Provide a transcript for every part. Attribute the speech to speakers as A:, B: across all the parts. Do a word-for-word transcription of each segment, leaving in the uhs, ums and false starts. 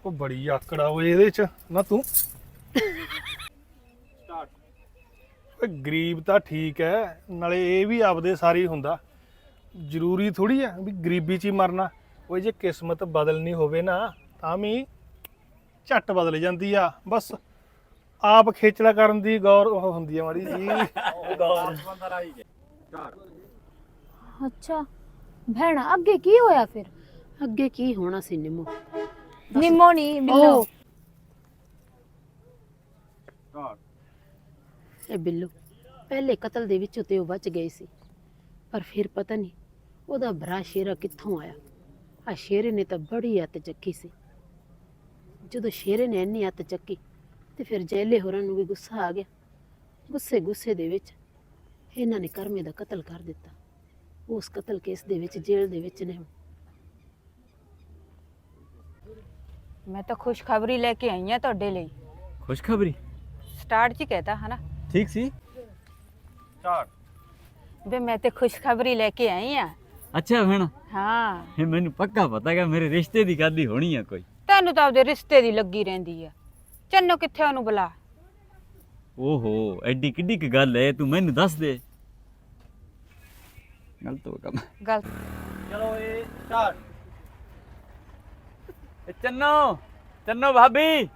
A: ਉਹ ਬੜੀ ਆਕੜਾ ਓਏ ਇਹਦੇ ਚ ਨਾ ਤੂੰ ਓਏ ਗਰੀਬ ਤਾਂ ਠੀਕ ਹੈ, ਨਾਲੇ ਇਹ ਵੀ ਆਪਦੇ ਸਾਰੀ ਹੁੰਦਾ। ਜ਼ਰੂਰੀ ਥੋੜੀ ਆ ਵੀ ਗਰੀਬੀ 'ਚ ਹੀ ਮਰਨਾ। ਓਏ ਜੇ ਕਿਸਮਤ ਬਦਲਣੀ ਹੋਵੇ ਨਾ ਤਾਂ ਵੀ ਝੱਟ ਬਦਲ ਜਾਂਦੀ ਆ। ਬਸ ਆਪ ਖੇਚਲਾ ਕਰਨ ਦੀ ਗੌਰ ਉਹ ਹੁੰਦੀ ਆ ਮਾੜੀ ਜੀ।
B: ਅੱਛਾ ਭੈਣਾ ਅੱਗੇ ਕੀ ਹੋਇਆ ਫਿਰ?
C: ਅੱਗੇ ਕੀ ਹੋਣਾ ਸੀ ਨਿੰਮੋ?
B: ਨਿੰਮੋ ਨਹੀਂ ਬਿੱਲੋ।
C: ਇਹ ਬਿੱਲੂ ਪਹਿਲੇ ਕਤਲ ਦੇ ਵਿੱਚੋਂ ਤੇ ਉਹ ਬਚ ਗਏ ਸੀ, ਪਰ ਫਿਰ ਪਤਾ ਨਹੀਂ ਉਹਦਾ ਭਰਾ ਸ਼ੇਰਾ ਕਿੱਥੋਂ ਆਇਆ। ਆ ਸ਼ੇਰੇ ਨੇ ਤਾਂ ਬੜੀ ਅੱਤ ਚੱਕੀ ਸੀ। ਜਦੋਂ ਸ਼ੇਰੇ ਨੇ ਇੰਨੀ ਅੱਤ ਚੱਕੀ ਤੇ ਫਿਰ ਜੈਲੇ ਹੋਰਾਂ ਨੂੰ ਵੀ ਗੁੱਸਾ ਆ ਗਿਆ। ਗੁੱਸੇ ਗੁੱਸੇ ਦੇ ਵਿੱਚ ਇਹਨਾਂ ਨੇ ਕਰਮੇ ਦਾ ਕਤਲ ਕਰ ਦਿੱਤਾ। ਉਸ ਕਤਲ ਕੇਸ ਦੇ ਵਿੱਚ ਜੇਲ੍ਹ ਦੇ ਵਿੱਚ ਨੇ।
D: मैं तो खुशखबरी लेके आई हाँ ਤੁਹਾਡੇ ਲਈ।
E: खुशखबरी
D: स्टार्ट ਚ कहता है ना
E: ठीक सी
A: ਸਟਾਰਟ
D: वे मैं तो खुशखबरी लेके आई हाँ।
E: अच्छा भैन
D: हाँ
E: ਇਹ ਮੈਨੂੰ ਪੱਕਾ ਪਤਾ ਕਿ ਮੇਰੇ ਰਿਸ਼ਤੇ ਦੀ ਗਾਦੀ ਹੋਣੀ ਆ ਕੋਈ।
D: ਤੈਨੂੰ ਤਾਂ ਉਹਦੇ ਰਿਸ਼ਤੇ ਦੀ ਲੱਗੀ ਰਹਿੰਦੀ ਆ। ਚੰਨੋ ਕਿੱਥੇ ਉਹਨੂੰ ਬੁਲਾ।
E: ਓਹੋ ਐਡੀ ਕਿੱਡੀ ਕੀ ਗੱਲ ਹੈ, ਤੂੰ ਮੈਨੂੰ ਦੱਸ ਦੇ। ਗਲਤ ਹੋ ਕੰਮ।
D: ਗੱਲ
E: ਚਲੋ ਇਹ ਸਟਾਰਟ। ਚੰਨੋ ਚੰਨੋ ਭਾਬੀ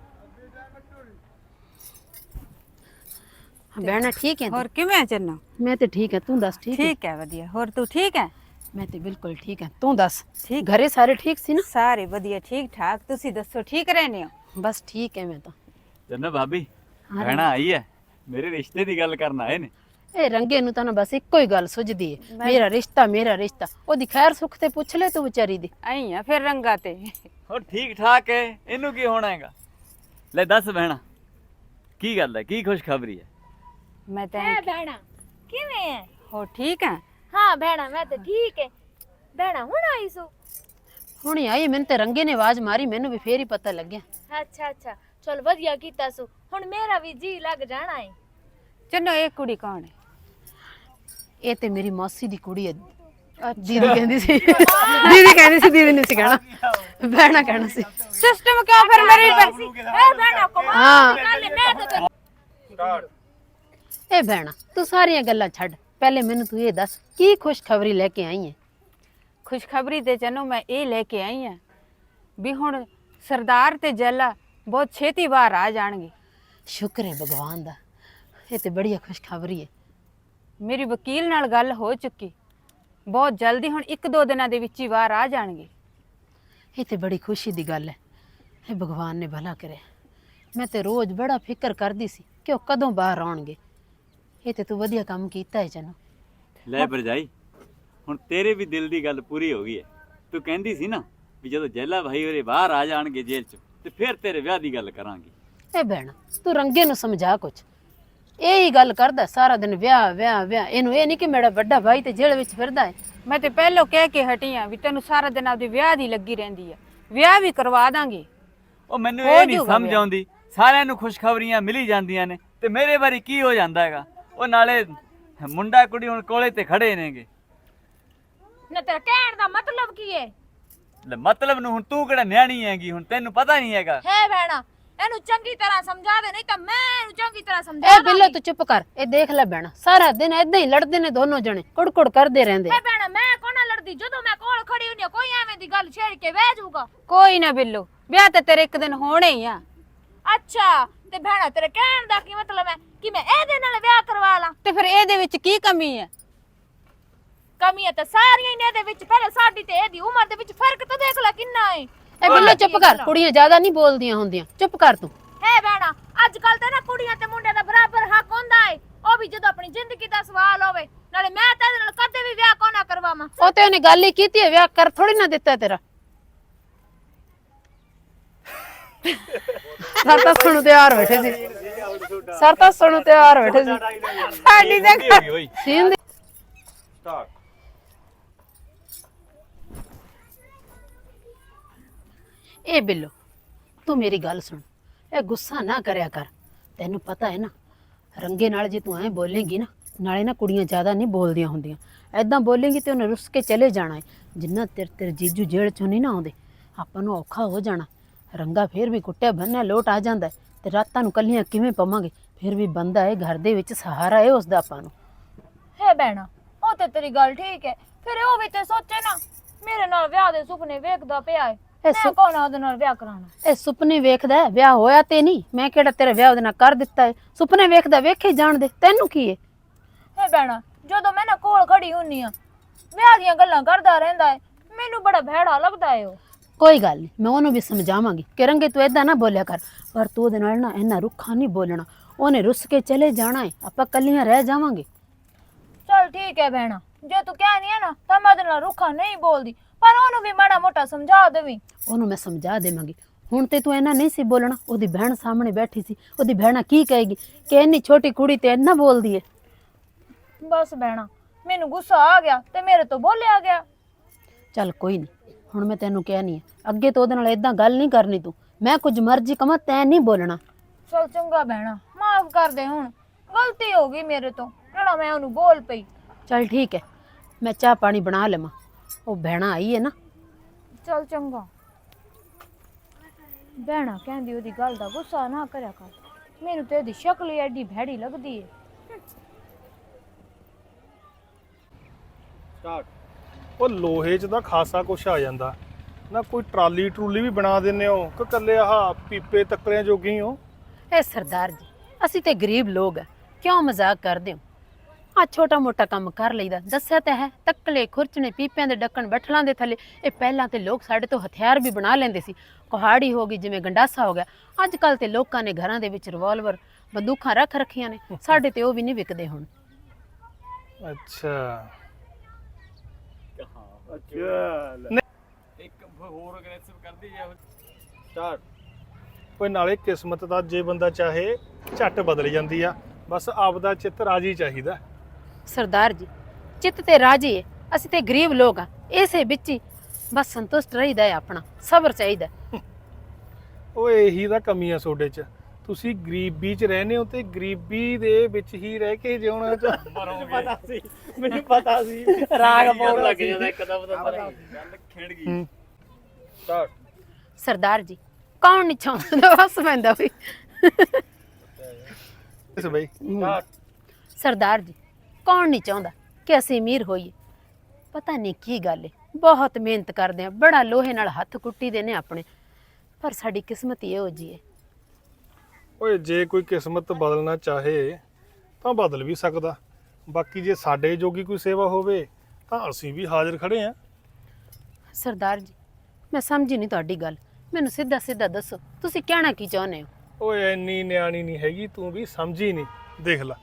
C: ਭੈਣਾ ਠੀਕ ਹੈ?
D: ਹੋਰ ਕਿਵੇਂ ਚੰਨੋ?
C: ਮੈਂ ਤੇ ਠੀਕ ਹੈ, ਤੂੰ ਦੱਸ ਠੀਕ ਹੈ?
D: ਠੀਕ ਹੈ ਵਧੀਆ। ਹੋਰ ਤੂੰ ਠੀਕ ਹੈ?
C: ਮੈਂ ਤੇ ਬਿਲਕੁਲ ਠੀਕ ਹੈ, ਤੂੰ ਦੱਸ
D: ਠੀਕ
C: ਘਰੇ ਸਾਰੇ ਠੀਕ ਸੀ ਨਾ?
D: ਸਾਰੇ ਵਧੀਆ ਠੀਕ ਠਾਕ। ਤੁਸੀਂ ਦੱਸੋ ਠੀਕ ਰਹਿੰਦੇ ਹੋ?
C: ਬਸ ਠੀਕ ਹੈ ਮੈਂ ਤਾਂ।
E: ਚੰਨੋ ਭਾਬੀ
C: ਹਾਂ।
E: ਭੈਣਾ ਆਈ ਹੈ, ਮੇਰੇ ਰਿਸ਼ਤੇ ਦੀ ਗੱਲ ਕਰਨ ਆਏ ਨੇ।
C: ਇਹ ਰੰਗੇ ਨੂੰ ਤਾਂ ਨਾ ਬਸ ਇੱਕੋ ਹੀ ਗੱਲ ਸੁਝਦੀ ਹੈ, ਮੇਰਾ ਰਿਸ਼ਤਾ ਮੇਰਾ ਰਿਸ਼ਤਾ। ਉਹਦੀ ਖੈਰ ਸੁੱਖ ਤੇ ਪੁੱਛ ਲੈ ਤੂੰ ਵਿਚਾਰੀ ਦੀ।
D: ਆਈ ਆ ਫਿਰ ਰੰਗਾ ਤੇ।
E: ਹੋਰ ਠੀਕ ਠਾਕ ਹੈ, ਇਹਨੂੰ ਕੀ ਹੋਣਾ ਹੈਗਾ। ਲੈ ਦੱਸ ਭੈਣਾ ਕੀ ਗੱਲ ਹੈ, ਕੀ ਖੁਸ਼ਖਬਰੀ ਹੈ?
D: ਮੈਂ ਤਾਂ
B: ਹੈ ਭੈਣਾ ਕਿਵੇਂ ਹੈ?
D: ਹੋ ਠੀਕ ਹੈ?
B: ਹਾਂ ਭੈਣਾ ਮੈਂ ਤਾਂ ਠੀਕ ਹੈ। ਭੈਣਾ ਹੁਣ ਆਈ ਸੋ?
C: ਹੁਣੀ ਆਈ, ਮੈਨੂੰ ਤੇ ਰੰਗੇ ਨੇ ਆਵਾਜ਼ ਮਾਰੀ, ਮੈਨੂੰ ਵੀ ਫੇਰ ਹੀ ਪਤਾ ਲੱਗਿਆ।
B: ਅੱਛਾ ਅੱਛਾ ਚਲ ਵਧੀਆ ਕੀਤਾ ਸੋ। ਹੁਣ ਮੇਰਾ ਵੀ ਜੀ ਲੱਗ ਜਾਣਾ ਹੈ।
D: ਚੰਨੋ ਇਹ ਕੁੜੀ ਕੌਣ ਹੈ?
C: ਇਹ ਤੇ ਮੇਰੀ ਮਾਸੀ ਦੀ ਕੁੜੀ ਹੈ। ਦੀਦੀ ਕਹਿੰਦੀ ਸੀ ਦੀਦੀ ਕਹਿੰਦੀ ਸੀ ਦੀਦੀ ਨੇ ਸੀ ਕਹਿਣਾ, ਭੈਣਾ ਕਹਿਣਾ ਸੀ।
D: ਸਿਸਟਮ ਕਿਉਂ ਫਿਰ ਮੇਰੀ
B: ਹੈ ਭੈਣਾ ਕਮਾਲ
C: ਹਾਂ।
B: ਦੀ ਗੱਲ ਹੈ। ਮੈਂ ਤਾਂ ਤੈਨੂੰ
A: ਸਟਾਰਟ
C: ਇਹ ਭੈਣਾ ਤੂੰ ਸਾਰੀਆਂ ਗੱਲਾਂ ਛੱਡ, ਪਹਿਲੇ ਮੈਨੂੰ ਤੂੰ ਇਹ ਦੱਸ ਕੀ ਖੁਸ਼ਖਬਰੀ ਲੈ ਕੇ ਆਈ ਹੈ?
D: ਖੁਸ਼ਖਬਰੀ ਤੇ ਚੰਨੋ ਮੈਂ ਇਹ ਲੈ ਕੇ ਆਈ ਹਾਂ ਵੀ ਹੁਣ ਸਰਦਾਰ ਤੇ ਜੱਲਾ ਬਹੁਤ ਛੇਤੀ ਬਾਹਰ ਆ ਜਾਣਗੇ।
C: ਸ਼ੁਕਰ ਹੈ ਭਗਵਾਨ ਦਾ, ਇਹ ਤੇ ਬੜੀ ਖੁਸ਼ਖਬਰੀ ਹੈ।
D: ਮੇਰੀ ਵਕੀਲ ਨਾਲ ਗੱਲ ਹੋ ਚੁੱਕੀ, ਬਹੁਤ ਜਲਦੀ ਹੁਣ ਇੱਕ ਦੋ ਦਿਨਾਂ ਦੇ ਵਿੱਚ ਹੀ ਬਾਹਰ ਆ ਜਾਣਗੇ।
C: ਇਹ ਤੇ ਬੜੀ ਖੁਸ਼ੀ ਦੀ ਗੱਲ ਹੈ, ਇਹ ਭਗਵਾਨ ਨੇ ਭਲਾ ਕਰਿਆ। ਮੈਂ ਤੇ ਰੋਜ਼ ਬੜਾ ਫਿਕਰ ਕਰਦੀ ਸੀ ਕਿ ਉਹ ਕਦੋਂ ਬਾਹਰ ਆਉਣਗੇ। ਇਹ ਤੇ ਤੂੰ ਵਧੀਆ ਕੰਮ ਕੀਤਾ ਹੈ ਚੰਨੋ।
E: ਲੈ ਭਰਜਾਈ ਹੁਣ ਤੇਰੇ ਵੀ ਦਿਲ ਦੀ ਗੱਲ ਪੂਰੀ ਹੋ ਗਈ ਹੈ। ਤੂੰ ਕਹਿੰਦੀ ਸੀ ਨਾ ਵੀ ਜਦੋਂ ਜੈਲਾ ਭਾਈ ਹੋਰੇ ਬਾਹਰ ਆ ਜਾਣਗੇ ਜੇਲ੍ਹ ਚੋਂ ਤੇ ਫਿਰ ਤੇਰੇ ਵਿਆਹ ਦੀ ਗੱਲ ਕਰਾਂਗੇ।
C: ਇਹ ਭੈਣਾ ਤੂੰ ਰੰਗੇ ਨੂੰ ਸਮਝਾ ਕੁਛ, ਇਹ ਹੀ ਗੱਲ ਕਰਦਾ ਸਾਰਾ ਦਿਨ ਵਿਆਹ ਵਿਆਹ ਵਿਆਹ। ਇਹਨੂੰ ਇਹ ਨਹੀਂ ਕਿ ਮੇਰਾ ਵੱਡਾ ਭਾਈ ਤੇ ਜੇਲ੍ਹ ਵਿੱਚ ਫਿਰਦਾ ਹੈ।
D: ਮੈਂ ਤੇ ਪਹਿਲੋਂ ਕਹਿ ਕੇ ਹਟੀ ਆਂ ਵੀ ਤੈਨੂੰ ਸਾਰਾ ਦਿਨ ਆਪਦੇ ਵਿਆਹ ਦੀ ਲੱਗੀ ਰਹਿੰਦੀ ਆ। ਵਿਆਹ ਵੀ ਕਰਵਾ ਦਾਂਗੇ।
E: ਉਹ ਮੈਨੂੰ
D: ਹੋ
E: ਇਹ ਨਹੀਂ
D: ਜਾਊਗਾ
E: ਸਮਝ
D: ਵਿਆਹ।
E: ਆਉਂਦੀ, ਸਾਰਿਆਂ ਨੂੰ ਖੁਸ਼ਖਬਰੀਆਂ ਮਿਲੀ ਜਾਂਦੀਆਂ ਨੇ ਤੇ ਮੇਰੇ ਬਾਰੇ ਕੀ ਹੋ ਜਾਂਦਾ ਹੈਗਾ। ਉਹ ਨਾਲੇ ਮੁੰਡਾ ਕੁੜੀ ਹੁਣ ਕੋਲੇ ਤੇ ਖੜੇ ਨੇਗੇ।
B: ਨਾ ਤੇਰਾ ਕਹਿਣ ਦਾ ਮਤਲਬ ਕੀ ਹੈ?
E: ਲੈ ਮਤਲਬ ਨੂੰ ਹੁਣ ਤੂੰ ਕਿਹੜਾ ਨਿਆਣੀ ਹੈਗੀ, ਹੁਣ ਤੈਨੂੰ ਪਤਾ ਨਹੀਂ ਹੈਗਾ।
B: ਹੈ ਭੈਣਾ ਇਹਨੂੰ ਚੰਗੀ ਤਰ੍ਹਾਂ ਸਮਝਾ ਦੇ, ਨਹੀਂ ਤਾਂ ਮੈਂ ਇਹਨੂੰ ਚੰਗੀ ਤਰ੍ਹਾਂ ਸਮਝਾ
C: ਇਹ ਬਿੱਲੋ ਤੂੰ ਚੁੱਪ ਕਰ। ਇਹ ਦੇਖ ਲੈ ਭੈਣਾ ਸਾਰਾ ਦਿਨ ਏਦਾਂ ਹੀ ਲੜਦੇ ਨੇ ਦੋਨੋਂ ਜਣੇ, ਕੁੜਕੁੜ ਕਰਦੇ ਰਹਿੰਦੇ।
B: ਹੈ ਭੈਣਾ ਮੈਂ ਕੋਣਾ ਲੜਦੀ, ਜਦੋਂ ਮੈਂ ਕੋਲ ਖੜੀ ਹੁੰਦੀ ਹਾਂ, ਕੋਈ ਐਵੇਂ ਦੀ ਗੱਲ ਛੇੜ ਕੇ ਬਹਿ ਜਾਊਗਾ।
D: ਕੋਈ ਨਾ ਬਿੱਲੋ, ਵਿਆਹ ਤੇ ਤੇਰੇ ਇੱਕ ਦਿਨ ਹੋਣੇ ਹੀ ਆ।
B: ਅੱਛਾ ਤੇ ਭੈਣਾ ਤੇਰੇ ਕਹਿਣ ਦਾ ਕੀ ਮਤਲਬ ਹੈ ਕਿ ਮੈਂ ਇਹਦੇ ਨਾਲ ਵਿਆਹ ਕਰਵਾ ਲਾਂ?
D: ਤੇ ਫਿਰ ਇਹਦੇ ਵਿੱਚ ਕੀ ਕਮੀ ਹੈ?
B: ਕਮੀਆਂ ਤਾਂ ਸਾਰੀਆਂ ਹੀ ਨੇ ਇਹਦੇ ਵਿੱਚ। ਪਹਿਲੇ ਸਾਡੀ ਤੇ ਇਹਦੀ ਉਮਰ ਦੇ ਵਿੱਚ ਫਰਕ ਤਾਂ ਦੇਖ ਲੈ ਕਿੰਨਾ ਹੈ।
C: ਇਹ ਬਿੱਲੋ ਚੁੱਪ ਕਰ, ਕੁੜੀਆਂ ਜ਼ਿਆਦਾ ਨਹੀਂ ਬੋਲਦੀਆਂ ਹੁੰਦੀਆਂ, ਚੁੱਪ ਕਰ ਤੂੰ।
B: ਹੈ ਭੈਣਾ ਅੱਜ ਕੱਲ ਤੇ ਨਾ ਕੁੜੀਆਂ ਤੇ ਮੁੰਡਿਆਂ ਦਾ ਬਰਾਬਰ ਹੱਕ ਹੁੰਦਾ ਹੈ, ਉਹ ਵੀ ਜਦੋਂ ਆਪਣੀ ਜ਼ਿੰਦਗੀ ਦਾ ਸਵਾਲ ਹੋਵੇ। ਨਾਲੇ ਮੈਂ ਤਾਂ ਇਹਦੇ ਨਾਲ ਕਦੇ ਵੀ ਵਿਆਹ ਕੋਨਾ ਕਰਵਾਵਾਂ।
C: ਉਹ ਤੇ ਉਹਨੇ ਗੱਲ ਹੀ ਕੀਤੀ ਹੈ, ਵਿਆਹ ਕਰ ਥੋੜੀ ਨਾ ਦਿੱਤਾ ਤੇਰਾ। ਸਰ ਤਾਂ ਸੁਣੂ ਤਿਆਰ ਬੈਠੇ ਸੀ, ਸਰ ਤਾਂ ਸੁਣੂ ਤਿਆਰ ਬੈਠੇ ਸੀ।
D: ਸਾਡੀ ਤਾਂ
C: ਸੀਨ ਦੀ
A: ਸਟਾਰਟ
C: ਇਹ ਬਿੱਲੋ ਤੂੰ ਮੇਰੀ ਗੱਲ ਸੁਣ, ਇਹ ਗੁੱਸਾ ਨਾ ਕਰਿਆ ਕਰ। ਤੈਨੂੰ ਪਤਾ ਹੈ ਨਾ ਰੰਗੇ ਨਾਲ ਜੇ ਤੂੰ ਐਂ ਬੋਲੇਂਗੀ ਨਾ, ਨਾਲੇ ਨਾ ਕੁੜੀਆਂ ਜ਼ਿਆਦਾ ਨਹੀਂ ਬੋਲਦੀਆਂ ਹੁੰਦੀਆਂ। ਐਦਾਂ ਬੋਲੇਂਗੀ ਤੇ ਉਹਨੇ ਰੁੱਸ ਕੇ ਚਲੇ ਜਾਣਾ ਹੈ। ਜਿੰਨਾ ਤੇਰੇ ਤੇਰੇ ਜੀਜੂ ਜੇਲ੍ਹ ਚੋਂ ਨਹੀਂ ਨਾ ਆਉਂਦੇ, ਆਪਾਂ ਨੂੰ ਔਖਾ ਹੋ ਜਾਣਾ। ਰੰਗਾ ਫੇਰ ਵੀ ਕੁੱਟਿਆ ਬੰਨਿਆ ਲੋਟ ਆ ਜਾਂਦਾ ਹੈ, ਤੇ ਰਾਤਾਂ ਨੂੰ ਕੱਲੀਆਂ ਕਿਵੇਂ ਪਵਾਂਗੇ। ਫਿਰ ਵੀ ਬੰਦਾ ਹੈ ਘਰ ਦੇ ਵਿੱਚ, ਸਹਾਰਾ ਹੈ ਉਸ ਦਾ ਆਪਾਂ ਨੂੰ।
B: ਹੈ ਭੈਣਾ, ਉਹ ਤੇ ਤੇਰੀ ਗੱਲ ਠੀਕ ਹੈ, ਫਿਰ ਉਹ ਵੀ ਤੇ ਸੋਚੇ ਨਾ, ਮੇਰੇ ਨਾਲ ਵਿਆਹ ਦੇ ਸੁਪਨੇ ਵੇਖਦਾ ਪਿਆ ਹੈ,
C: ਇਹ
B: ਮੈਂ
C: ਸੁ-
B: ਕੌਣ ਆ ਉਹਦੇ ਨਾਲ ਵਿਆਹ ਕਰਾਉਣਾ।
C: ਇਹ ਸੁਪਨੇ ਵੇਖਦਾ ਹੈ, ਵਿਆਹ ਹੋਇਆ ਤੇ ਨਹੀਂ। ਮੈਂ ਕਿਹੜਾ ਤੇਰਾ ਵਿਆਹ ਉਹਦੇ ਨਾਲ ਕਰ ਦਿੱਤਾ ਹੈ। ਸੁਪਨੇ ਵੇਖਦਾ, ਵੇਖੇ ਜਾਣ ਦੇ, ਤੈਨੂੰ ਕੀ ਹੈ।
B: ਹੈ ਭੈਣਾ, ਜਦੋਂ ਮੈਂ ਨਾ ਕੋਲ ਖੜੀ ਹੁੰਨੀ ਆ, ਵਿਆਹ ਦੀਆਂ ਗੱਲਾਂ ਕਰਦਾ ਰਹਿੰਦਾ ਹੈ, ਮੈਨੂੰ ਬੜਾ ਭੈੜਾ ਲੱਗਦਾ ਹੈ ਉਹ।
C: ਕੋਈ ਗੱਲ ਨਹੀਂ, ਮੈਂ ਉਹਨੂੰ ਵੀ ਸਮਝਾਵਾਂਗੀ ਕਿ ਰੰਗੇ ਤੂੰ ਏਦਾਂ ਨਾ ਬੋਲਿਆ ਕਰ, ਪਰ ਤੂੰ ਉਹਦੇ ਨਾਲ ਨਾ ਇੰਨਾ ਰੁੱਖਾ ਨਹੀਂ ਬੋਲਣਾ। ਉਹਨੇ ਰੁੱਸ ਕੇ ਚਲੇ ਜਾਣਾ ਹੈ, ਆਪਾਂ ਕੱਲੀਆਂ ਰਹਿ ਜਾਵਾਂਗੇ।
B: ਚਲ ਠੀਕ ਹੈ ਭੈਣਾ, ਜੇ ਤੂੰ ਕਹਿਨੀ ਹੈ ਨਾ ਤਾਂ ਮੈਂ ਉਹਦੇ ਨਾਲ ਰੁੱਖਾ ਨਹੀਂ ਬੋਲਦੀ, ਪਰ ਉਹਨੂੰ ਵੀ ਮਾੜਾ ਮੋਟਾ ਸਮਝਾ ਦੇਵੀਂ।
C: ਉਹਨੂੰ ਮੈਂ ਸਮਝਾ ਦੇਵਾਂਗੀ। ਹੁਣ ਤੇ ਤੂੰ ਇੰਨਾ ਨਹੀਂ ਸੀ ਬੋਲਣਾ। ਉਹਦੀ ਭੈਣ ਸਾਹਮਣੇ ਬੈਠੀ ਸੀ, ਉਹਦੀ ਭੈਣਾ ਕੀ ਕਹੇਗੀ ਕਿ ਇੰਨੀ ਛੋਟੀ ਕੁੜੀ ਤੇ ਇੰਨਾ ਬੋਲਦੀ ਹੈ।
B: ਬਸ ਭੈਣਾ, ਮੈਨੂੰ ਗੁੱਸਾ ਆ ਗਿਆ ਤੇ ਮੇਰੇ ਤੋਂ ਬੋਲਿਆ ਗਿਆ।
C: ਚੱਲ ਕੋਈ ਨਹੀਂ, ਹੁਣ ਮੈਂ ਤੈਨੂੰ ਕਹਿਣੀ ਹੈ, ਅੱਗੇ ਤੋਂ ਉਹਦੇ ਨਾਲ ਏਦਾਂ ਗੱਲ ਨਹੀਂ ਕਰਨੀ ਤੂੰ। ਮੈਂ ਕੁਝ ਮਰਜ਼ੀ ਕਵਾਂ, ਤੈਂ ਨਹੀਂ ਬੋਲਣਾ।
B: ਚਲ ਚੰਗਾ ਭੈਣਾ, ਮਾਫ ਕਰ ਦੇ, ਹੁਣ ਗਲਤੀ ਹੋ ਗਈ ਮੇਰੇ ਤੋਂ, ਜਿਹੜਾ ਮੈਂ ਉਹਨੂੰ ਬੋਲ ਪਈ।
C: ਚੱਲ ਠੀਕ ਹੈ, ਮੈਂ ਚਾਹ ਪਾਣੀ ਬਣਾ ਲਵਾਂ। ਉਹ ਭੈਣਾ ਆਈ ਹੈ ਨਾ।
B: ਚਲ ਚੰਗਾ। ਭੈਣਾ ਕਹਿੰਦੀ ਉਹਦੀ ਗੱਲ ਦਾ ਗੁੱਸਾ ਨਾ ਕਰਿਆ ਕਰ, ਮੈਨੂੰ ਤੇ ਇਹਦੀ ਸ਼ਕਲ ਹੀ ਐਡੀ ਭੈੜੀ ਲੱਗਦੀ ਹੈ।
A: ਉਹ ਲੋਹੇ 'ਚ ਤਾਂ ਖਾਸਾ ਕੁਛ ਆ ਜਾਂਦਾ ਨਾ। ਕੋਈ ਟਰਾਲੀ ਟਰੂਲੀ ਵੀ ਬਣਾ ਦਿੰਦੇ ਹੋ ਕਿ ਕੱਲੇ ਆਹ ਪੀਪੇ ਤੱਕਲਿਆਂ ਜੋਗੀ ਹੀ ਹੋ?
C: ਇਹ ਸਰਦਾਰ ਜੀ, ਅਸੀਂ ਤੇ ਗਰੀਬ ਲੋਕ ਆ, ਕਿਉਂ ਮਜ਼ਾਕ ਕਰਦੇ ਹੋ। ਆ ਛੋਟਾ ਮੋਟਾ ਕੰਮ ਕਰ ਲਈਦਾ। ਦੱਸਿਆ ਤਾਂ ਹੈ, ਤੱਕਲੇ ਖੁਰਚਣੇ ਪੀਪਿਆਂ ਦੇ ਢੱਕਣ ਬੱਠਲਾਂ ਦੇ ਥੱਲੇ। ਇਹ ਪਹਿਲਾਂ ਤੇ ਲੋਕ ਸਾਡੇ ਤੋਂ ਹਥਿਆਰ ਵੀ ਬਣਾ ਲੈਂਦੇ ਸੀ। ਕੁਹਾੜੀ ਹੋ ਗਈ, ਜਿਵੇਂ ਗੰਡਾਸਾ ਹੋ ਗਿਆ। ਅੱਜ ਕੱਲ ਤੇ ਲੋਕਾਂ ਨੇ ਘਰਾਂ ਦੇ ਵਿੱਚ ਰਿਵਾਲਵਰ ਬੰਦੂਕਾਂ ਰੱਖ ਰੱਖੀਆਂ ਨੇ। ਸਾਡੇ ਤੇ ਉਹ ਵੀ ਨਹੀਂ ਵਿਕਦੇ ਹੁਣ।
A: ਅੱਛਾ
E: ਇੱਕ ਹੋਰ ਅਗਰੈਸਿਵ ਕਰਦੀ ਜਾ ਸਟਾਰਟ।
A: ਕੋਈ ਨਾਲੇ ਕਿਸਮਤ ਦਾ ਜੇ ਬੰਦਾ ਚਾਹੇ ਝੱਟ ਬਦਲ ਜਾਂਦੀ ਆ। ਬਸ ਆਪਦਾ ਚਿੱਤ ਰਾਜੀ ਚਾਹੀਦਾ।
C: ਸਰਦਾਰ ਜੀ, ਚਿੱਤ ਤੇ ਰਾਜੀ ਹੈ, ਅਸੀਂ ਤੇ ਗਰੀਬ ਲੋਕ ਆ। ਇਸੇ ਵਿੱਚ ਹੀ ਬਸ ਸੰਤੁਸ਼ਟ ਰਹੀਦਾ ਹੈ, ਆਪਣਾ ਸਬਰ ਚਾਹੀਦਾ।
A: ਉਹ ਇਹੀ ਤਾਂ ਕਮੀ ਆ ਤੁਹਾਡੇ 'ਚ। ਤੁਸੀਂ ਗਰੀਬੀ 'ਚ ਰਹਿੰਦੇ ਹੋ ਤੇ ਗਰੀਬੀ ਦੇ ਵਿੱਚ ਹੀ ਰਹਿ ਕੇ ਜਿਉਣਾ ਚ
F: ਪਤਾ ਸੀ, ਮੈਨੂੰ ਪਤਾ ਸੀ ਰਾਗ ਪਾਉਣ ਲੱਗ ਜਾਂਦਾ ਇੱਕਦਮ ਤਾਂ
E: ਗੱਲ ਖਿੰਡ ਗਈ।
A: ਹੂੰ।
E: ਸਟਾਰਟ।
C: ਸਰਦਾਰ ਜੀ, ਕੌਣ ਨਹੀਂ ਚਾਹੁੰਦਾ, ਬਸ ਪੈਂਦਾ ਵੀ।
A: ਇਸ ਬਈ
C: ਸਰਦਾਰ ਜੀ, ਕੌਣ ਨਹੀਂ ਚਾਹੁੰਦਾ ਕਿ ਅਸੀਂ ਅਮੀਰ ਹੋਈਏ। ਪਤਾ ਨਹੀਂ ਕੀ ਗੱਲ ਹੈ, ਬਹੁਤ ਮਿਹਨਤ ਕਰਦੇ ਆ, ਬੜਾ ਲੋਹੇ ਨਾਲ ਹੱਥ ਕੁੱਟੀ ਦੇ ਨੇ ਆਪਣੇ, ਪਰ ਸਾਡੀ ਕਿਸਮਤ ਹੀ ਇਹੋ ਜਿਹੀ ਹੈ।
A: ਓਏ ਜੇ ਕੋਈ ਕਿਸਮਤ ਬਦਲਣਾ ਚਾਹੇ ਤਾਂ ਬਦਲ ਵੀ ਸਕਦਾ। ਬਾਕੀ ਜੇ ਸਾਡੇ ਜੋਗੀ ਕੋਈ ਸੇਵਾ ਹੋਵੇ ਤਾਂ ਅਸੀਂ ਵੀ ਹਾਜ਼ਰ ਖੜੇ ਆਂ।
C: ਸਰਦਾਰ ਜੀ, ਮੈਂ ਸਮਝੀ ਨਹੀਂ ਤੁਹਾਡੀ ਗੱਲ। ਮੈਨੂੰ ਸਿੱਧਾ ਸਿੱਧਾ ਦੱਸੋ, ਤੁਸੀਂ ਕਹਿਣਾ ਕੀ ਚਾਹੁੰਦੇ ਹੋ।
A: ਓਏ ਇੰਨੀ ਨਿਆਣੀ ਨਹੀਂ ਹੈਗੀ ਤੂੰ ਵੀ, ਸਮਝੀ ਨਹੀਂ। ਦੇਖ ਲੈ,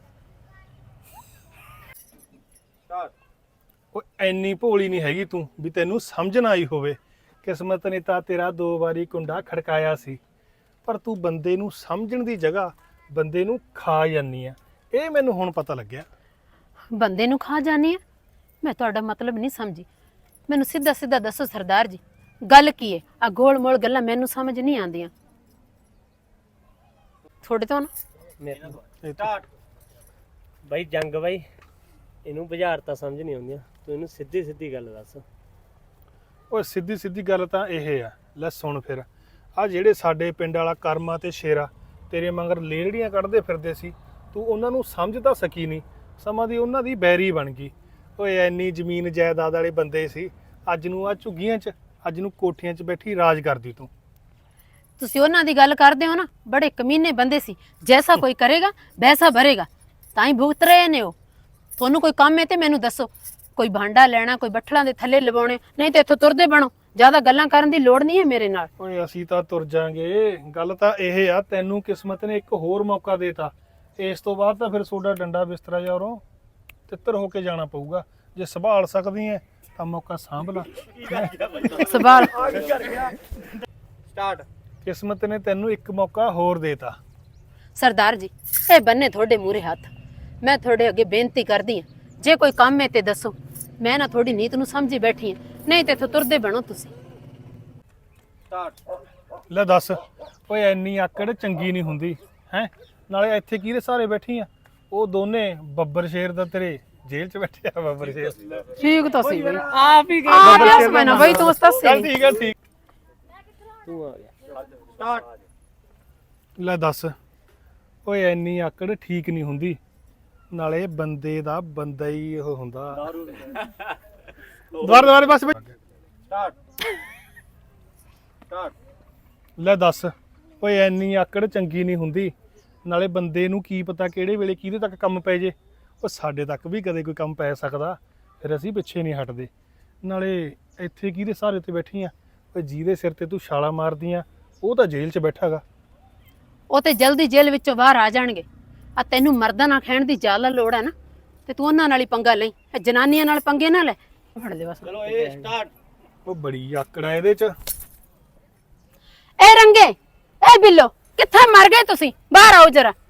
A: ਓਏ ਇੰਨੀ ਭੋਲੀ ਨਹੀਂ ਹੈਗੀ ਤੂੰ ਵੀ ਤੈਨੂੰ ਸਮਝ ਨਾ ਆਈ ਹੋਵੇ। ਕਿਸਮਤ ਨੇ ਤਾਂ ਤੇਰਾ ਦੋ ਵਾਰੀ ਕੁੰਡਾ ਖੜਕਾਇਆ ਸੀ, ਪਰ ਤੂੰ ਬੰਦੇ ਨੂੰ ਸਮਝਣ ਦੀ ਜਗ੍ਹਾ ਬੰਦੇ ਨੂੰ ਖਾ ਜਾਂਦੀ ਆ। ਇਹ ਮੈਨੂੰ ਹੁਣ ਪਤਾ ਲੱਗਿਆ।
C: ਬੰਦੇ ਨੂੰ ਖਾ ਜਾਣੀ ਆ? ਮੈਂ ਤੁਹਾਡਾ ਮਤਲਬ ਨਹੀਂ ਸਮਝੀ। ਮੈਨੂੰ ਸਿੱਧਾ ਸਿੱਧਾ ਦੱਸੋ ਸਰਦਾਰ ਜੀ, ਗੱਲ ਕੀ ਹੈ। ਆ ਗੋਲ ਮੋਲ ਗੱਲਾਂ ਮੈਨੂੰ ਸਮਝ ਨਹੀਂ ਆਉਂਦੀਆਂ ਤੁਹਾਡੇ ਤੋਂ ਨਾ।
F: ਮੇਰੇ
A: ਇਹ ਤਾਂ-
F: ਬਾਈ ਜੰਗ ਬਾਈ, ਇਹਨੂੰ ਬੁਝਾਰ ਤਾਂ ਸਮਝ ਨਹੀਂ ਆਉਂਦੀਆਂ, ਤੂੰ ਇਹਨੂੰ ਸਿੱਧੀ ਸਿੱਧੀ ਗੱਲ ਦੱਸ।
A: ਓਏ ਸਿੱਧੀ ਸਿੱਧੀ ਗੱਲ ਤਾਂ ਇਹ ਆ, ਲੈ ਸੁਣ ਫਿਰ। ਆ ਜਿਹੜੇ ਸਾਡੇ ਪਿੰਡ ਵਾਲਾ ਕਰਮਾ ਤੇ ਸ਼ੇਰਾ ਤੇਰੇ ਮਗਰ ਲੇੜੀਆਂ ਕੱਢਦੇ ਫਿਰਦੇ ਸੀ, ਤੂੰ ਉਹਨਾਂ ਨੂੰ ਸਮਝ ਤਾਂ ਸਕੀ ਨਹੀਂ। ਸਮਾਂ ਦੀ ਉਹਨਾਂ ਦੀ ਬੈਰੀ ਬਣ ਗਈ। ਓਏ ਐਨੀ ਜ਼ਮੀਨ ਜਾਇਦਾਦ ਵਾਲੇ ਬੰਦੇ ਸੀ, ਅੱਜ ਨੂੰ ਆ ਝੁੱਗੀਆਂ 'ਚ, ਅੱਜ ਨੂੰ ਕੋਠੀਆਂ 'ਚ ਬੈਠੀ ਰਾਜ ਕਰਦੀ ਤੂੰ।
C: ਤੁਸੀਂ ਉਹਨਾਂ ਦੀ ਗੱਲ ਕਰਦੇ ਹੋ ਨਾ, ਬੜੇ ਕਮੀਨੇ ਬੰਦੇ ਸੀ। ਜੈਸਾ ਕੋਈ ਕਰੇਗਾ ਵੈਸਾ ਭਰੇਗਾ, ਤਾਂ ਹੀ ਭੁਗਤ ਰਹੇ ਨੇ ਉਹ। ਤੁਹਾਨੂੰ ਕੋਈ ਕੰਮ ਹੈ ਤੇ ਮੈਨੂੰ ਦੱਸੋ। ਕੋਈ ਭਾਂਡਾ ਲੈਣਾ, ਕੋਈ ਬੱਠਲਾਂ ਦੇ ਥੱਲੇ ਲਵਾਉਣੇ, ਨਹੀਂ ਤੇ ਇੱਥੋਂ ਤੁਰਦੇ ਬਣੋ। ਜ਼ਿਆਦਾ ਗੱਲਾਂ ਕਰਨ ਦੀ ਲੋੜ ਨਹੀਂ ਹੈ ਮੇਰੇ ਨਾਲ।
A: ਓਏ ਅਸੀਂ ਤਾਂ ਤੁਰ ਜਾਾਂਗੇ। ਗੱਲ ਤਾਂ ਇਹ ਆ, ਤੈਨੂੰ ਕਿਸਮਤ ਨੇ ਇੱਕ ਹੋਰ ਮੌਕਾ ਦੇਤਾ। ਇਸ ਤੋਂ ਬਾਅਦ ਤਾਂ ਫਿਰ ਤੁਹਾਡਾ ਡੰਡਾ ਬਿਸਤਰਾ ਯਾਰੋਂ ਤਿੱਤਰ ਹੋ ਕੇ ਜਾਣਾ ਪਊਗਾ। ਜੇ ਸੰਭਾਲ ਸਕਦੀ ਐ ਤਾਂ ਮੌਕਾ ਸਾਂਭ ਲਾ।
C: ਸਵਾਲ
F: ਸਟਾਰਟ।
A: ਕਿਸਮਤ ਨੇ ਤੈਨੂੰ ਇੱਕ ਮੌਕਾ ਹੋਰ ਦੇਤਾ।
C: ਸਰਦਾਰ ਜੀ, ਇਹ ਬੰਨੇ ਤੁਹਾਡੇ ਮੂਹਰੇ ਹੱਥ। ਮੈਂ ਤੁਹਾਡੇ ਅੱਗੇ ਬੇਨਤੀ ਕਰਦੀ ਹਾਂ, ਜੇ ਕੋਈ ਕੰਮ ਹੈ ਤੇ ਦੱਸੋ। ਮੈਂ ਨਾ ਤੁਹਾਡੀ ਨੀਤ ਨੂੰ ਸਮਝੀ ਬੈਠੀ ਹਾਂ, ਨਹੀਂ ਤੇ ਇੱਥੋਂ ਤੁਰਦੇ ਬਣੋ ਤੁਸੀਂ।
F: ਸਟਾਰਟ।
A: ਲੈ ਦੱਸ, ਓਏ ਐਨੀ ਆਕੜ ਚੰਗੀ ਨਹੀਂ ਹੁੰਦੀ ਹੈ। ਨਾਲੇ ਇੱਥੇ ਕਿਹਦੇ ਸਹਾਰੇ ਬੈਠੀ ਆ? ਉਹ ਦੋਨੇ ਬੱਬਰ ਸ਼ੇਰ ਦਾ ਤੇਰੇ ਜੇਲ੍ਹ 'ਚ ਬੈਠੇ ਆ। ਬੱਬਰ ਸ਼ੇਰ
C: ਠੀਕ ਤਾਂ ਸੀ ਬਈ,
F: ਆਪ ਹੀ
C: ਆਪ ਹੀ ਹੱਸ ਪੈਣਾ ਬਈ, ਤੂੰ ਉਸ ਤਾਂ
A: ਚੱਲ ਠੀਕ ਆ, ਠੀਕ।
F: ਤੂੰ ਆ ਗਿਆ।
A: ਲੈ ਦੱਸ ਓਏ ਇੰਨੀ ਆਕੜ ਠੀਕ ਨਹੀਂ ਹੁੰਦੀ, ਨਾਲੇ ਬੰਦੇ ਦਾ ਬੰਦਾ ਹੀ ਉਹ ਹੁੰਦਾ। ਦੁਬਾਰਾ ਦੁਬਾਰਾ ਬਸ ਲੈ ਦੱਸ ਓਏ ਇੰਨੀ ਆਕੜ ਚੰਗੀ ਨਹੀਂ ਹੁੰਦੀ, ਨਾਲੇ ਬੰਦੇ ਨੂੰ ਕੀ ਪਤਾ ਕਿਹੜੇ ਵੇਲੇ ਕਿਹਦੇ ਤੱਕ ਕੰਮ ਪੈ ਜੇ। ਉਹ ਸਾਡੇ ਤੱਕ ਵੀ ਕਦੇ ਕੋਈ ਕੰਮ ਪੈ ਸਕਦਾ, ਫਿਰ ਅਸੀਂ ਪਿੱਛੇ ਨਹੀਂ ਹਟਦੇ। ਨਾਲੇ ਇੱਥੇ ਕਿਹਦੇ ਸਹਾਰੇ ਤੇ ਬੈਠੀ ਆ? ਓਏ ਜਿਹਦੇ ਸਿਰ ਤੇ ਤੂੰ ਛਾਲਾ ਮਾਰਦੀ ਆ ਉਹ ਤਾਂ ਜੇਲ੍ਹ 'ਚ ਬੈਠਾ ਗਾ।
C: ਉਹ ਤੇ ਜਲਦੀ ਜੇਲ੍ਹ ਵਿੱਚੋਂ ਬਾਹਰ ਆ ਜਾਣਗੇ। ਆ ਤੈਨੂੰ ਮਰਦਾਂ ਨਾਲ ਖਹਿਣ ਦੀ ਜ਼ਿਆਦਾ ਲੋੜ ਹੈ ਨਾ, ਤੇ ਤੂੰ ਉਹਨਾਂ ਨਾਲ ਹੀ ਪੰਗਾ ਲਈ, ਇਹ ਜਨਾਨੀਆਂ ਨਾਲ ਪੰਗੇ ਨਾ ਲੈ। ਫੜ ਲੈ ਬਸ।
F: ਚਲੋ ਇਹ ਸਟਾਰਟ।
A: ਉਹ ਬੜੀ ਆਕੜ ਆ ਇਹਦੇ 'ਚ।
C: ਇਹ ਰੰਗੇ, ਇਹ ਬਿੱਲੋ, ਕਿੱਥੇ ਮਰ ਗਏ ਤੁਸੀਂ? ਬਾਹਰ ਆਓ ਜਰਾ।